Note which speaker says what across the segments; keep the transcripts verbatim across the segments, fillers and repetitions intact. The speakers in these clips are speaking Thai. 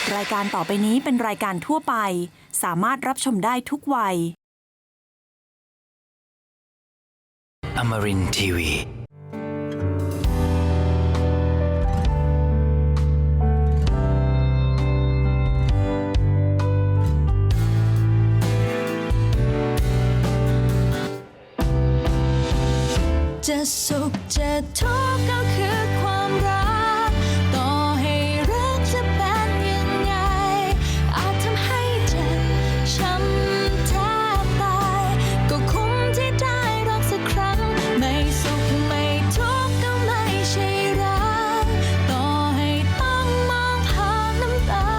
Speaker 1: รายการต่อไปนี้เป็นรายการทั่วไปสามารถรับชมได้ทุกวัย
Speaker 2: Amarin ที วี
Speaker 3: จะสุขจะทุกข์ก็คือความรักต่อให้รักจะเป็นยังไงอาจทำให้เจ็บช้ำแทบตายก็คุ้มที่ได้รักสักครั้งไม่สุขไม่ทุกข์ก็ไม่ใช่รักต่อให้ต้องมองผ่านน้ำตา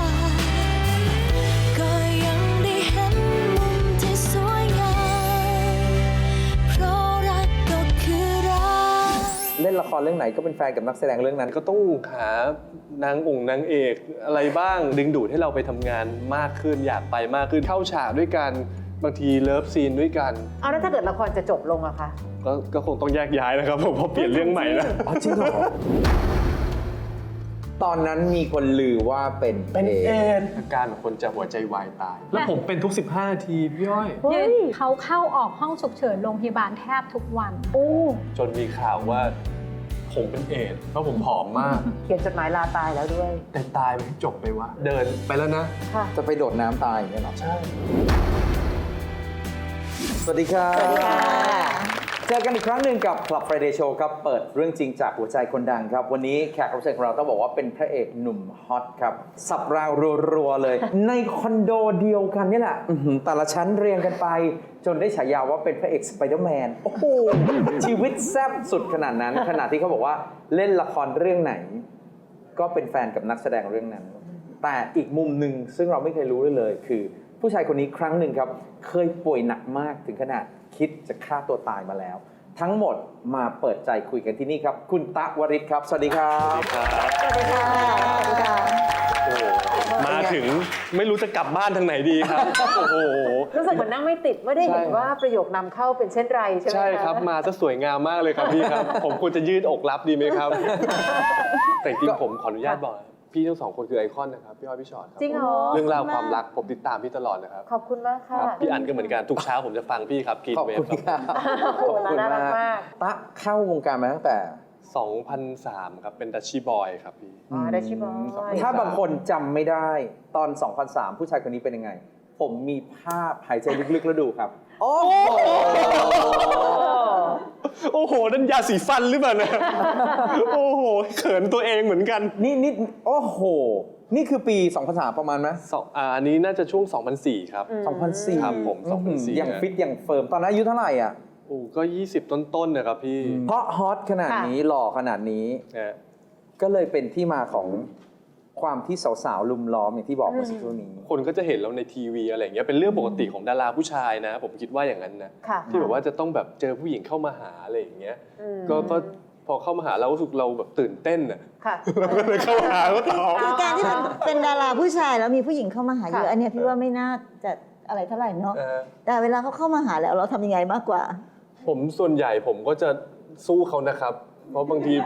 Speaker 3: ก็ยังได้เห็นมุมที่สวยงามเพราะรักก็คือรัก
Speaker 4: เล่นละครเรื่องไหนก็เป็นแฟนกับนักแสดงเรื่องนั้น
Speaker 5: ก็ต้องหานางองค์นางเอกอะไรบ้างดึงดูดให้เราไปทำงานมากขึ้นอยากไปมากขึ้นเข้าฉากด้วยกันบางทีเลิฟซีนด้วยกัน
Speaker 6: เอาแล้วถ้าเกิดละครจะจบลงอะคะ
Speaker 5: ก็ก็คงต้องแยกย้ายนะครับผมเพราะเปลี่ยนเรื่องใหม่แล้ว
Speaker 4: อ๋อจริงเหรอตอนนั้นมีคนลือว่าเป็น
Speaker 5: เป็นเอดอาการของคนจะหัวใจวายตายแล้วผมเป็นทุกสิบห้านาทีพี่อ้อย
Speaker 7: เขาเข้าออกห้องฉุกเฉินโรงพยาบาลแทบทุกวัน
Speaker 6: โอ้
Speaker 5: จนมีข่าวว่าผมเป็นเอดเพราะผมผอมมาก
Speaker 6: เขียนจดหมายลาตายแล้วด้วย
Speaker 5: แต่ตายไม่จบไปวะเดินไปแล้วนะ
Speaker 4: จะไปโดดน้ำตายอย่างเงี้ยหรอใช่สวัสดีครับสวัสดีค่ะเจอกันอีกครั้งหนึ่งกับ Club Friday Show ครับเปิดเรื่องจริงจากหัวใจคนดังครับวันนี้แขกรับเชิญของเราต้องบอกว่าเป็นพระเอกหนุ่มฮอตครับสับรางรัวๆเลย ในคอนโดเดียวกันนี่แหละแต่ละชั้นเรียงกันไปจนได้ฉายาว่าเป็นพระเอกสไปเดอร์แมนโอ้โหชีวิตแซ่บสุดขนาดนั้นขนาดที่เขาบอกว่าเล่นละครเรื่องไหนก็เป็นแฟนกับนักแสดงเรื่องนั้นแต่อีกมุมหนึ่งซึ่งเราไม่เคยรู้เลยคือผู้ชายคนนี้ครั้งหนึ่งครับเคยป่วยหนักมากถึงขนาดคิดจะฆ่าตัวตายมาแล้วทั้งหมดมาเปิดใจคุยกันที่นี่ครับคุณตะวริศครับสวัสดีครับ
Speaker 6: สวัสดีค่ะสวัสดีค่ะ
Speaker 5: โอ้มาถึงไม่รู้จะกลับบ้านทางไหนดีครับโอ้โห
Speaker 6: รู้สึกเหมือนนั่งไม่ติดไม่ได้เห็นว่าประโยคนำเข้าเป็นเช่นไรใช่ไหม
Speaker 5: ใช่ครับมาซะสวยงามมากเลยครับพี่ครับผมควรจะยืดอกรับดีไหมครับแต่จริงผมขออนุญาตบอกพี่ทั้งสองคนคือไอคอนนะครับพี่อ้อยพี่ชอตครับ
Speaker 6: จริงเหรอ
Speaker 5: เรื่องราวความรักผมติดตามพี่ตลอดนะครับ
Speaker 6: ขอบคุณมากค่ะ
Speaker 5: พี่อันก็เหมือนกันทุกเช้าผมจะฟังพี่ครับกินเวฟครับ
Speaker 6: ขอบคุณมาก
Speaker 4: ตะเข้าวงการมาตั้งแต่
Speaker 5: สองพันสามครับเป็นดัชชี่บอยครับพี่
Speaker 6: อ๋อดัชชี่บอย
Speaker 4: ถ้าบางคนจำไม่ได้ตอนสองพันสามผู้ชายคนนี้เป็นยังไงผมมีภาพหายใจลึกๆแล้วดูครับโอ้โห
Speaker 5: โอ้โหนั่นยาสีฟันหรือเปล่าเนี่ยโอ้โหเขินตัวเองเหมือนกัน
Speaker 4: นี่นี่โอ้โหนี่คือปีสองพันสามประมาณไหม
Speaker 5: อ่าอันนี้น่าจะช่วงสองพันสี่ครับ
Speaker 4: สองพันสี่
Speaker 5: ครับผมสองพันสี่
Speaker 4: ยังฟิตยังเฟิร์มตอนนั้นอายุเท่าไหร่อ่ะ
Speaker 5: โอ้ก็ยี่สิบต้นๆนะครับพี่
Speaker 4: เพราะฮอตขนาดนี้หล่อขนาดนี้ก็เลยเป็นที่มาของความที่สาวๆลุมล้อมอย่างที่บอกเมื่อสักครู่นี้
Speaker 5: คนก็จะเห็นเราในทีวีอะไรอย่างเงี้ยเป็นเรื่องปกติของดาราผู้ชายนะผมคิดว่าอย่างนั้นนะที่แบบว่าจะต้องแบบเจอผู้หญิงเข้ามาหาอะไรอย่างเงี้ยก็ก็พอเข้ามาหาเรารู้สึกเราแบบตื่นเต้นอ่ะเราก็เลยเข้าหาเขาต่อ
Speaker 8: คือการที่เป็นดาราผู้ชายแล้วมีผู้หญิงเข้ามาหาเยอะอันนี้พี่ว่าไม่น่าจะอะไรเท่าไหร่เนาะแต่เวลาเขาเข้ามาหาแล้วเราทำยังไงมากกว่า
Speaker 5: ผมส่วนใหญ่ผมก็จะสู้เขานะครับเพราะบางที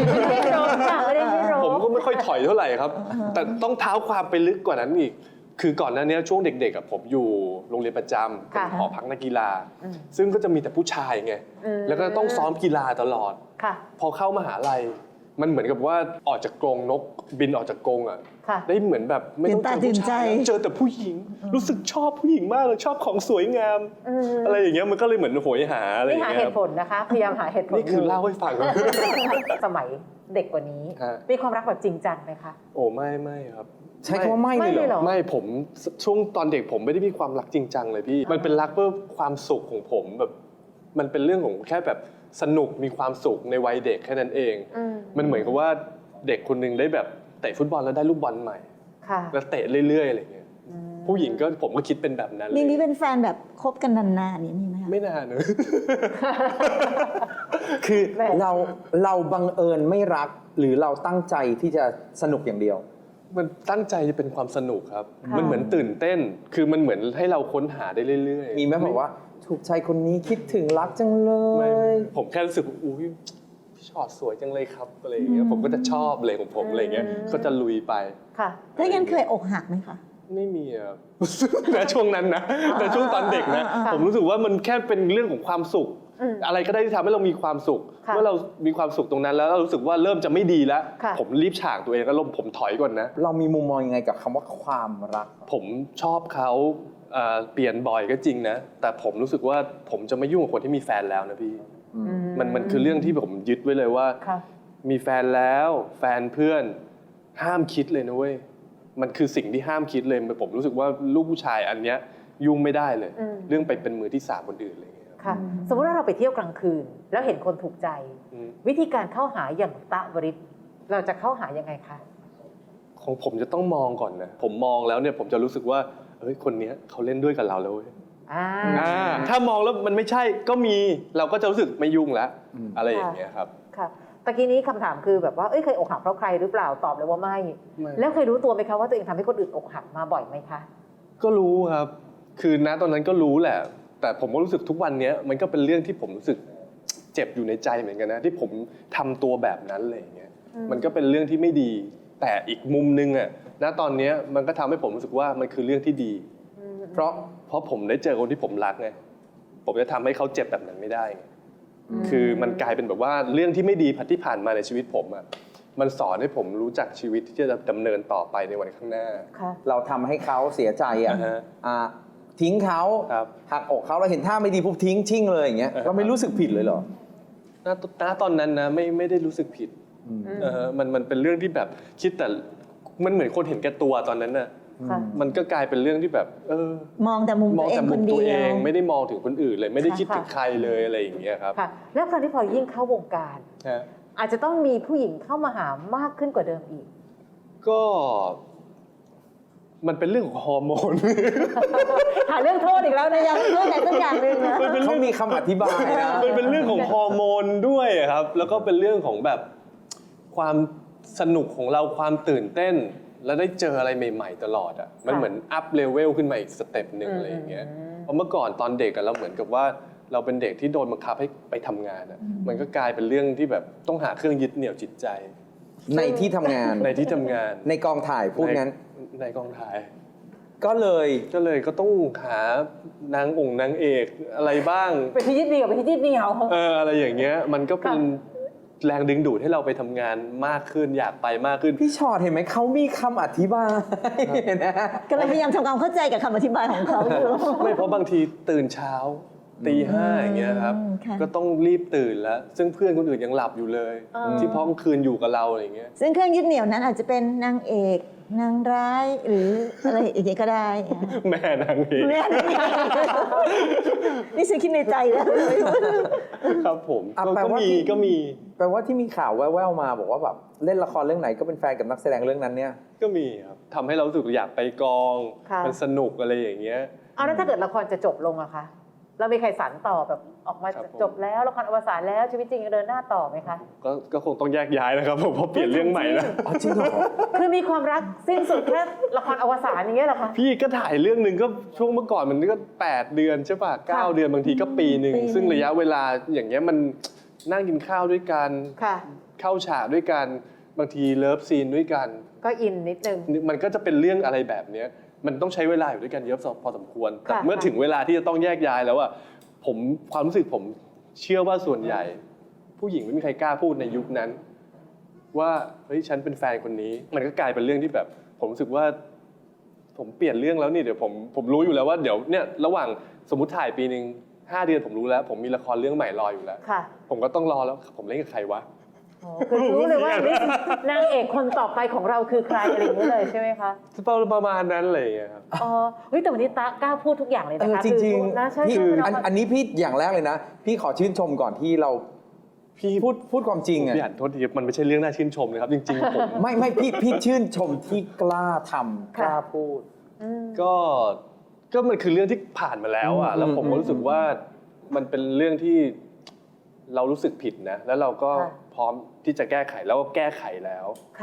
Speaker 5: ผมก็ไม่ค่อยถอยเท่าไหร่ครับแต่ต้องเท้าความไปลึกกว่านั้นอีกคือก่อนหน้านี้ช่วงเด็กๆผมอยู่โรงเรียนประจำเป็นหอพักนักกีฬาซึ่งก็จะมีแต่ผู้ชายไงแล้วก็ต้องซ้อมกีฬาตลอดพอเข้ามหาลัยมันเหมือนกับว่าออกจากกรงนกบินออกจากกรงอ่ะได้เหมือนแบบไม่ต้องเจอผู้ชายเจอแต่ผู้หญิงรู้สึกชอบผู้หญิงมากเลยชอบของสวยงามอะไรอย่างเงี้ยมันก็เลยเหมือนโหยหาอะไรอย่างเงี้ย
Speaker 6: นี่หาเหตุผลนะคะพยายามหาเหตุผล
Speaker 5: นี่คือเล่าให้ฟัง
Speaker 6: สมัยเด็กกว่านี้มีความรักแบบจริงจังไหมคะ
Speaker 5: โอ้ไม่ไม่ครับ
Speaker 4: ใช้คำว่าไม่เลยเหรอ
Speaker 5: ไม่ผมช่วงตอนเด็กผมไม่ได้มีความรักจริงจังเลยพี่มันเป็นรักเพื่อความสุขของผมแบบมันเป็นเรื่องของแค่แบบสนุกมีความสุขในวัยเด็กแค่นั้นเองมันเหมือนกับว่าเด็กคนนึงได้แบบเตะฟุตบอลแล้วได้ลูกบอลใหม่แล้วเตะเรื่อยๆอะไรเงี้ยผู้หญิงก็ผมก็คิดเป็นแบบนั้นเลย
Speaker 8: มีมีเป็นแฟนแบบคบกันนานๆนี่มีไหม
Speaker 5: ไม่นานเนอะ
Speaker 4: คือเราเราบังเอิญไม่รักหรือเราตั้งใจที่จะสนุกอย่างเดียว
Speaker 5: มันตั้งใจจะเป็นความสนุกครับมันเหมือนตื่นเต้นคือมันเหมือนให้เราค้นหาได้เรื่อย
Speaker 4: ๆมีไหมบอกว่าถูกใจคนนี้คิดถึงรักจังเลย
Speaker 5: ผมแค่รู้สึกอุ้ยชอตสวยจังเลยครับอะไรอย่างเงี้ยผมก็จะชอบเลยของผมอะไรเงี้ยก็จะลุยไป
Speaker 6: ค่ะ
Speaker 8: ถ้างั้นเคยอกหักไหมคะ
Speaker 5: ไม่มีอะ ในช่วงนั้นนะในช่วงตอนเด็กนะ
Speaker 8: อ่า
Speaker 5: ผมรู้สึกว่ามันแค่เป็นเรื่องของความสุข
Speaker 6: อืม
Speaker 5: อะไรก็ได้ที่ทำให้เรามีความสุข
Speaker 6: ค่ะ
Speaker 5: เมื่อเรามีความสุขตรงนั้นแล้วเรารู้สึกว่าเริ่มจะไม่ดีแล้ว
Speaker 6: ค่ะ
Speaker 5: ผมรีบฉากตัวเองแล้วผมถอยก่อนนะ
Speaker 4: เรามีมุมมองยังไงกับคำว่าความรัก
Speaker 5: ผมชอบเขาเอ่อเปลี่ยนบ่อยก็จริงนะ แต่ผมรู้สึกว่าผมจะไม่ยุ่งกับคนที่มีแฟนแล้วนะพี่ มันมันคือเรื่องที่ผมยึดไว้เลยว่า
Speaker 6: ค่ะ
Speaker 5: มีแฟนแล้วแฟนเพื่อนห้ามคิดเลยนะเว้ย มันคือสิ่งที่ห้ามคิดเลยผมรู้สึกว่าลูกผู้ชายอันเนี้ยยุ่งไม่ได้เลย
Speaker 6: อืม
Speaker 5: เรื่องไปเป็นมือที่สามคนอื่นอะไรอย่างเงี้ย
Speaker 6: ค่ะ สมมติว่าเราไปเที่ยวกลางคืน แล้วเห็นคนถูกใจ
Speaker 5: อืม
Speaker 6: วิธีการเข้าหาอย่างตะวริศเราจะเข้าหายังไงคะ
Speaker 5: ของผมจะต้องมองก่อนนะ ผมมองแล้วเนี่ยผมจะรู้สึกว่าเฮ้ยคนเนี้ยเขาเล่นด้วยกับเราแล้วเว้ย
Speaker 6: อ่า
Speaker 5: อ่าถ้ามองแล้วมันไม่ใช่ก็มีเราก็จะรู้สึกไม่ยุ่งแล้ว
Speaker 4: อืม
Speaker 5: อะไรอย่างเงี้ยครับ
Speaker 6: ค่ะตะกี้นี้คำถามคือแบบว่า เอ้ยเคยอกหักเพราะใครหรือเปล่า ตอบเลยว่าไม่
Speaker 5: ไม่
Speaker 6: แล้วเคยรู้ตัวไหมคะว่าตัวเองทำให้คนอื่นอกหักมาบ่อยไหมคะ
Speaker 5: ก็รู้ครับ คือณตอนนั้นก็รู้แหละ แต่ผมก็รู้สึกทุกวันนี้มันก็เป็นเรื่องที่ผมรู้สึกเจ็บอยู่ในใจเหมือนกันนะที่ผมทำตัวแบบนั้นอะไรอย่างเงี้ย
Speaker 6: อืม
Speaker 5: มันก็เป็นเรื่องที่ไม่ดี แต่อีกมุมนึงอะณตอนนี้มันก็ทำให้ผมรู้สึกว่ามันคือเรื่องที่ดี
Speaker 4: เพราะ
Speaker 5: เพราะผมได้เจอคนที่ผมรักไง ผมจะทำให้เขาเจ็บแบบนั้นไม่ได้ไง คือมันกลายเป็นแบบว่าเรื่องที่ไม่ดีที่ผ่านมาในชีวิตผมอะมันสอนให้ผมรู้จักชีวิตที่จะดำเนินต่อไปในวันข้างหน้า
Speaker 6: ค่ะ
Speaker 4: เราทำให้เขาเสียใจอ่ะ
Speaker 5: อ่าฮะ
Speaker 4: อ่าทิ้งเขา
Speaker 5: ครับ
Speaker 4: หักอกเขาเราเห็นท่าไม่ดีปุ๊บทิ้งชิ่งเลยอย่างเงี้ย
Speaker 5: อ่าฮะ
Speaker 4: เราไม่รู้สึกผิดเลยเหรอ
Speaker 5: ณณตอนนั้นนะไม่ไม่ได้รู้สึกผิด
Speaker 4: อืม
Speaker 5: เออมันมันเป็นเรื่องที่แบบคิดแต่มันเหมือนคนเห็นแก่ตัวตอนนั้นน่ะ
Speaker 6: ค่ะ
Speaker 5: มันก็กลายเป็นเรื่องที่แบบ เออ
Speaker 8: มองแต่มุม
Speaker 5: ม
Speaker 8: ตั
Speaker 5: อง
Speaker 8: วเอง
Speaker 5: แต่
Speaker 8: ค
Speaker 5: มุม
Speaker 8: นเดี
Speaker 5: ตัว
Speaker 8: ย
Speaker 5: เอง
Speaker 8: ว
Speaker 5: ไม่ได้มองถึงคนอื่นเลย ไม่ได้คิด
Speaker 6: ค่ะ
Speaker 5: ถึงใครเลยอะไรอย่างเงี้ยครับ
Speaker 6: ค่ะ แล้วคราวที่พอยิ่งเข้าวงการ
Speaker 5: ฮะ
Speaker 6: อาจจะต้องมีผู้หญิงเข้ามาหามากขึ้นกว่าเดิมอีก
Speaker 5: ก็ มันเป็นเรื่องของฮอร์โมน
Speaker 6: หาเรื่องโทษอีกแล้วนะ
Speaker 8: ยังเรื่องไหนสักอย่างหนึ่งนะ
Speaker 5: มันเป็น
Speaker 4: เขา
Speaker 5: เรื่อง
Speaker 4: มีคำอธิบายนะ
Speaker 5: มันเป็นเรื่องของฮอร์โมนด้วยครับ แล้วก็เป็นเรื่องของแบบความสนุกของเราความตื่นเต้น แล้วได้เจออะไรใหม่ ๆ ตลอดอ่ะ มันเหมือนอัพเลเวลขึ้นมาอีกสเต็ปหนึ่ง
Speaker 6: อืม
Speaker 5: อะไรอย่างเงี้ย เพราะเมื่อก่อนตอนเด็กอะเราเหมือนกับว่าเราเป็นเด็กที่โดนบังคับให้ไปทำงานอะมันก็กลายเป็นเรื่องที่แบบต้องหาเครื่องยึดเหนี่ยวจิตใจ
Speaker 4: ในที่ทำงาน
Speaker 5: ในที่ทำงาน
Speaker 4: ในกองถ่ายพูดงั้น
Speaker 5: ในในกองถ่าย
Speaker 4: ก็เลย
Speaker 5: ก็เลยก็ต้องหานางองค์นางเอกอะไรบ้าง
Speaker 6: ไปที่ยึดเหนี่ยวไปที่ยึดเหนี่ยว
Speaker 5: เอออะไรอย่างเงี้ยมันก็เป็น
Speaker 6: ค่ะ
Speaker 5: แรงดึงดูดให้เราไปทำงานมากขึ้นอยากไปมากขึ้น
Speaker 4: พี่ชอตเห็นไหมเขามีคำอธิบายนะ
Speaker 8: กำลังพยายามทำความเข้าใจกับคำอธิบายของเขาอยู่
Speaker 5: ไม่เพราะบางทีตื่นเช้าตีห้าอย่างเงี้ยครับ
Speaker 8: อืมค่ะ
Speaker 5: ก็ต้องรีบตื่นแล้ว ซึ่งเพื่อนคนอื่นยังหลับอยู่เลย
Speaker 6: อ่า
Speaker 5: ที่พ้องคืนอยู่กับเราอะไรอย่างเงี้ย
Speaker 8: ซึ่งเครื่องยึดเหนี่ยวนั้นอาจจะเป็นนางเอกนางร้ายหรืออะไรอย่างเงี้ยก็ได้
Speaker 5: แม่นางเอก
Speaker 8: แม่นี่นี่ฉันคิดในใจแล้ว
Speaker 5: ครับผม
Speaker 4: อ่ะ
Speaker 5: ก็
Speaker 4: แปล
Speaker 5: ก็
Speaker 4: ว่า
Speaker 5: มี
Speaker 4: ที่
Speaker 5: ก็มี
Speaker 4: แปลว่าที่มีข่าวแว่วๆมาบอกว่าแบบเล่นละครเรื่องไหนก็เป็นแฟนกับนักแสดงเรื่องนั้นเนี่ย
Speaker 5: ก็มีครับทำให้เรารู้สึกอยากไปกอง
Speaker 6: ค่ะ
Speaker 5: มันสนุกอะไรอย่างเงี้ย
Speaker 6: เอาแล้วถ้าเกิดละครจะจบลงอะคะ เรามีใครสานต่อแบบออกมา
Speaker 5: ครับผม
Speaker 6: จบแล้วละครอวสานแล้วชีวิตจริงยังเดินหน้าต่อไหมคะ
Speaker 5: ก็ก็คงต้องแยกย้ายนะครับผมเพราะเปลี่ยนเรื่องใหม่แล้ว
Speaker 4: อ๋อจริงเหรอ
Speaker 6: คือมีความรักสิ้นสุดแค่ละครอวสานอย่างเงี้ยเหรอคะ
Speaker 5: พี่ก็ถ่ายเรื่องหนึ่งก็ช่วงเมื่อก่อนมันก็แปดเดือนใช่ป่ะเก้าเดือนบางทีก็ปีหนึ่ง
Speaker 8: ปีหนึ่ง
Speaker 5: ซึ่งระยะเวลาอย่างเงี้ยมันนั่งกินข้าวด้วยกัน
Speaker 6: ค่ะ
Speaker 5: เข้าฉากด้วยกันบางทีเลิฟซีนด้วยกัน
Speaker 6: ก็อินนิดนึง
Speaker 5: มันก็จะเป็นเรื่องอะไรแบบเนี้ยมันต้องใช้เวลาอยู่ด้วยกันเยอะพอสมควรแต่
Speaker 6: ค่ะ
Speaker 5: เมื่อถึงเวลาที่จะต้องแยกย้ายแล้วอะผมความรู้สึกผมเชื่อว่าส่วนใหญ่ ผู้หญิงไม่มีใครกล้าพูดในยุคนั้น ว่าเฮ้ยฉันเป็นแฟนคนนี้ มันก็กลายเป็นเรื่องที่แบบ ผมรู้สึกว่า ผมเปลี่ยนเรื่องแล้วนี่เดี๋ยวผมผมรู้อยู่แล้วว่าเดี๋ยวเนี่ยระหว่างสมมติถ่ายปีหนึ่งห้าเดือนผมรู้แล้ว ผมมีละครเรื่องใหม่รออยู่แล้ว
Speaker 6: ค่ะ
Speaker 5: ผมก็ต้องรอแล้วผมเล่นกับใครวะ
Speaker 6: อ๋อคือรู้เลยว่านี่นางเอกคนต่อไปของเราคือใครอะไรอย่างเงี้ยเลยใช่ไหมคะ
Speaker 5: ประมาณนั้นเลยอะครับ
Speaker 6: อ๋อ เฮ้ยแต่วันนี้ตากล้าพูดทุกอย่างเลย
Speaker 4: เอ
Speaker 6: นะ
Speaker 4: อ
Speaker 6: คะ
Speaker 4: จริง
Speaker 6: คือนะใช่
Speaker 4: ๆพี่
Speaker 6: ใช่
Speaker 4: อันอันนี้พี่อย่างแรกเลยนะ พี่ขอชื่นชมก่อนที่เรา
Speaker 5: พี่
Speaker 4: พูดพูดความจริงอะ
Speaker 5: พี่อ่านโทษทีมันไม่ใช่เรื่องน่าชื่นชมนะครับ จริงๆผม
Speaker 4: ไม่ไม่พี่พี่ชื่นชมที่กล้าทำกล้าพูด
Speaker 6: อืม
Speaker 5: ก็ก็มันคือเรื่องที่ผ่านมาแล้วอ่ะ
Speaker 4: อืม
Speaker 5: แล้วผมก็รู้สึกว่ามันเป็นเรื่องที่เรารู้สึกผิดนะ แล้วเราก็
Speaker 6: ค่ะ
Speaker 5: พร้อมที่จะแก้ไขแล้วก็แก้ไขแล้ว
Speaker 6: ค่ะ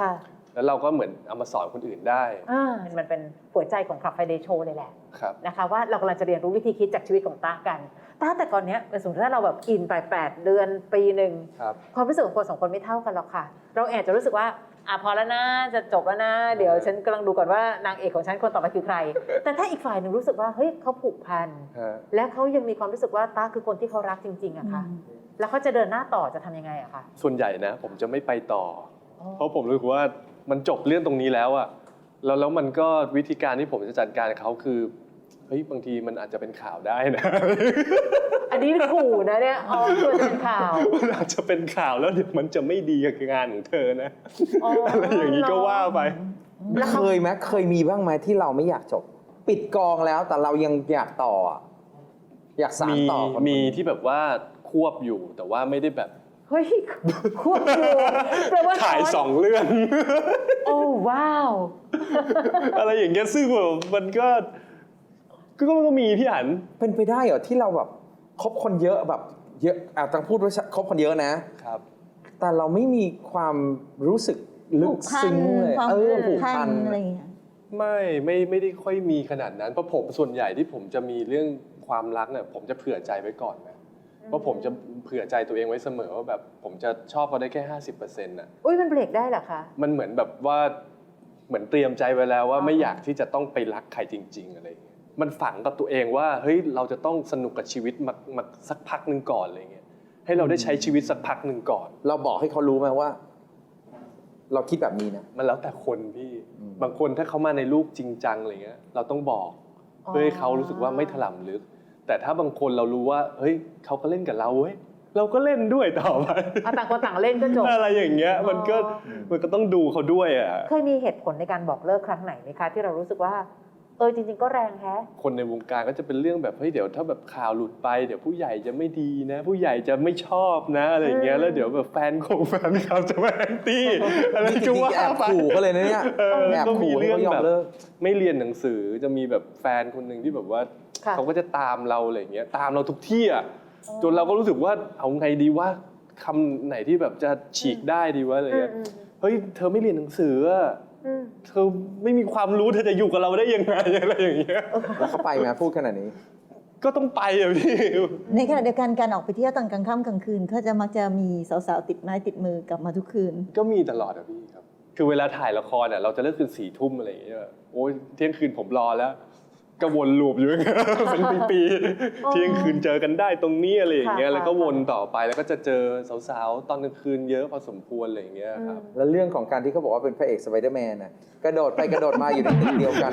Speaker 5: แล้วเราก็เหมือนเอามาสอนคนอื่นได้
Speaker 6: อ่ามันเป็นหัวใจของ Club Friday Show เลยแหละ
Speaker 5: ครับ
Speaker 6: นะคะว่าเรากำลังจะเรียนรู้วิธีคิดจากชีวิตของตากันตาแต่ก่อนเนี้ยสมมติถ้าเราแบบอินไปแปดเดือนปีหนึ่ง
Speaker 5: ครับ
Speaker 6: ความรู้สึกของคนสองคนไม่เท่ากันหรอกค่ะ เราแอบจะรู้สึกว่าอ่ะพอแล้วนะจะจบแล้วนะเดี๋ยวฉันกำลังดูก่อนว่านางเอกของฉันคนต่อไปคือใคร แต่ถ้าอีกฝ่ายหนึ่งรู้สึกว่าเฮ้ยเขาผูกพัน
Speaker 5: ฮะ
Speaker 6: และเขายังมีความรู้สึกว่าตาคือคนที่เขารักจริงๆอะค่ะแล้วเขาจะเดินหน้าต่อจะทำยังไงอะคะ
Speaker 5: ส่วนใหญ่นะผมจะไม่ไปต่อ เพราะผมรู้สึกว่ามันจบเรื่องตรงนี้แล้วอะแล้วแล้วมันก็วิธีการที่ผมจะจัดการกับเขาคือเฮ้ยบางทีมันอาจจะเป็นข่าวได้นะ
Speaker 6: อันนี้ขู่นะเนี่ยอ๋อตัวจะเป็นข่าว
Speaker 5: มันอาจจะเป็นข่าวแล้วเดี๋ยวมันจะไม่ดีกับงานของเธอนะ
Speaker 6: อ๋ออ
Speaker 5: อะไรอย่างนี้ก็ว่าไป
Speaker 4: เคยไหมเคยมีบ้างไหมที่เราไม่อยากจบ ปิดกองแล้วแต่เรายังอยากต่ออะอยากสาน
Speaker 5: มี
Speaker 4: ต่อคน
Speaker 5: มีที่แบบว่าควบอยู่แต่ว่าไม่ได้แบบ
Speaker 6: เฮ้ยควบคุมแปลว่า
Speaker 5: ถ่ายสองเรื่อง
Speaker 6: โอ้ว้าว
Speaker 5: อะไรอย่างเงี้ยซึ่งแบบมันก็ก็ก็ก็มีพี่อัน
Speaker 4: เป็นไปได้เหรอที่เราแบบคบคนเยอะแบบเยอะอาจต้องพูดว่าคบคนเยอะนะ
Speaker 5: ครับ
Speaker 4: แต่เราไม่มีความรู้สึกลึ
Speaker 8: ผู
Speaker 4: ก
Speaker 8: กพัน
Speaker 4: ซึ้งเลย
Speaker 8: ความ
Speaker 4: เออ
Speaker 8: ผู
Speaker 4: ผู
Speaker 8: ก
Speaker 4: ก
Speaker 8: พั
Speaker 4: พั
Speaker 8: น
Speaker 4: น
Speaker 8: อะไรอย่างเงี้ย
Speaker 5: ไม่ไม่ไม่ได้ค่อยมีขนาดนั้นเพราะผมส่วนใหญ่ที่ผมจะมีเรื่องความรักเนี่ยผมจะเผื่อใจไว้ก่อนนะเพราะผมจะเผื่อใจตัวเองไว้เสมอว่าแบบผมจะชอบเขาได้แค่ห้าสิบเปอร์เซ็นต์น่ะ
Speaker 6: อุ้ยมันเบรกได้เหรอคะ
Speaker 5: มันเหมือนแบบว่าเหมือนเตรียมใจไว้แล้วว่า
Speaker 6: อ๋อ
Speaker 5: ไม่อยากที่จะต้องไปรักใครจริง ๆอะไรอย่างเงี้ยมันฝังกับตัวเองว่าเฮ้ยเราจะต้องสนุกกับชีวิตมามาสักพักหนึ่งก่อนอะไรเงี้ยให้เราได้ใช้ชีวิตสักพักหนึ่งก่อน
Speaker 4: เราบอกให้เขารู้ไหมว่า เราคิดแบบนี้นะ
Speaker 5: มันแล้วแต่คนพี่
Speaker 4: อืม
Speaker 5: บางคนถ้าเขามาในลูกจริงจังอะไรเงี้ยเราต้องบอกเพื่อให้เขารู้สึกว่าไม่ถลำลึก แต่ถ้าบางคนเรารู้ว่าเฮ้ยเขาก็เล่นกับเราเว้ยเราก็เล่นด้วยต่อไป
Speaker 6: เอาต่างคนต่างเล่นก็จบ
Speaker 5: อะไรอย่างเงี้ยมันก็
Speaker 6: อ๋อ
Speaker 5: มันก็ต้องดูเขาด้วยอ่ะ
Speaker 6: เคยมีเหตุผลในการบอกเลิกครั้งไหนไหมคะ ที่เรารู้สึกว่าเออจริง ๆ ก็แรงแฮะ
Speaker 5: คนในวงการก็จะเป็นเรื่องแบบเฮ้ยเดี๋ยวถ้าแบบข่าวหลุดไปเดี๋ยวผู้ใหญ่จะไม่ดีนะ ผู้ใหญ่จะไม่ชอบนะอะไรอย่างเงี้ย
Speaker 6: อืม
Speaker 5: แล้วเดี๋ยวแบบแฟนของแฟนเขาจะมาแอนตี้อะไร
Speaker 4: จ
Speaker 5: ก็
Speaker 4: ริง
Speaker 5: ว่า
Speaker 4: ๆแอบ
Speaker 5: ไป
Speaker 4: ขู่เขาเลยนะเนี่ย
Speaker 5: เออ
Speaker 4: แอบ
Speaker 5: ก็มี
Speaker 4: ขู่ให้
Speaker 5: เรื่อง
Speaker 4: เขายอ
Speaker 5: แบ
Speaker 4: ม
Speaker 5: บ
Speaker 4: เลิก
Speaker 5: ไม่เรียนหนังสือจะมีแบบแฟนคนหนึ่งที่แบบว่า
Speaker 6: ค่ะ
Speaker 5: เขาก็จะตามเราอะไรอย่างเงี้ยตามเราทุกที่อ่ะจนเราก็รู้สึกว่าเอาไงดีว่าคำไหนที่แบบจะฉีกได้ดีวะอะไรเงี้ย
Speaker 6: อืม
Speaker 5: เฮ้ยเธอไม่เรียนหนังสืออะ
Speaker 6: อืม
Speaker 5: เธอไม่มีความรู้เธอจะอยู่กับเราได้ยังไงอะไรอย่างเงี้ย
Speaker 4: แล้วเขาไปไหมพูดขนาดนี้
Speaker 5: ก็ต้องไปอะพี่
Speaker 8: ในขณะเดียวกันการออกไปเที่ยวตอนกลางค่ำกลางคืนเขาจะมักจะมีสาวๆติดไม้ติดมือกลับมาทุกคืน
Speaker 5: ก็มีตลอดอะพี่ครับ คือเวลาถ่ายละครอะเราจะเลิกคืนสี่ทุ่มอะไรอย่างเงี้ยโอ้ยเที่ยงคืนผมรอแล้วก็วนลูปอยู่อย่างเงี้ย เป็นปีๆเที่ยงคืนเจอกันได้ตรงนี้อะไรอย่างเงี้ย
Speaker 6: ค่ะ
Speaker 5: แล้วก็วนต่อไปแล้วก็จะเจอสาวๆตอนกลางคืนเยอะพอสมควรอะไรอย่างเงี้ยครับ
Speaker 4: แล้วเรื่องของการที่เขาบอกว่าเป็นพระเอกสไปเดอร์แมนน่ะกระโดดไปกระโดดมาอยู่ในตึกเดียวกัน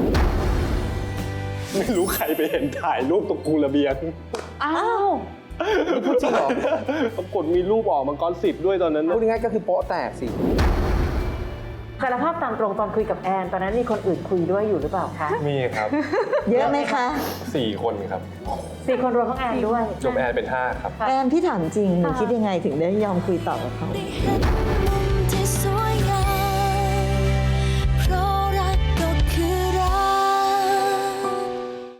Speaker 5: ไม่รู้ใครไปเห็นถ่ายรูปตรงกูระเบียง
Speaker 6: อ้าว
Speaker 4: พูดจริงเหรอ
Speaker 5: ปรากฏมีรูปออกมังกรสิบด้วยตอนนั้น
Speaker 4: พูดง่ายๆก็คือโป๊ะแตกสิ
Speaker 6: สารภาพตามตรงตอนคุยกับแอนตอนนั้นมีคนอื่นคุยด้วยอยู่หรือเปล่าคะ
Speaker 5: มีครับ
Speaker 8: เยอะไหมคะ
Speaker 5: สี่คนครับ
Speaker 6: สี่คนรวมทั้งแอนด้วย
Speaker 5: จบแอนเป็นห้าครับ
Speaker 8: แอนพี่ถามจริงหนูคิดยังไงถึงได้ยอมคุยต่อกับเขา
Speaker 3: ได้เห็นมุม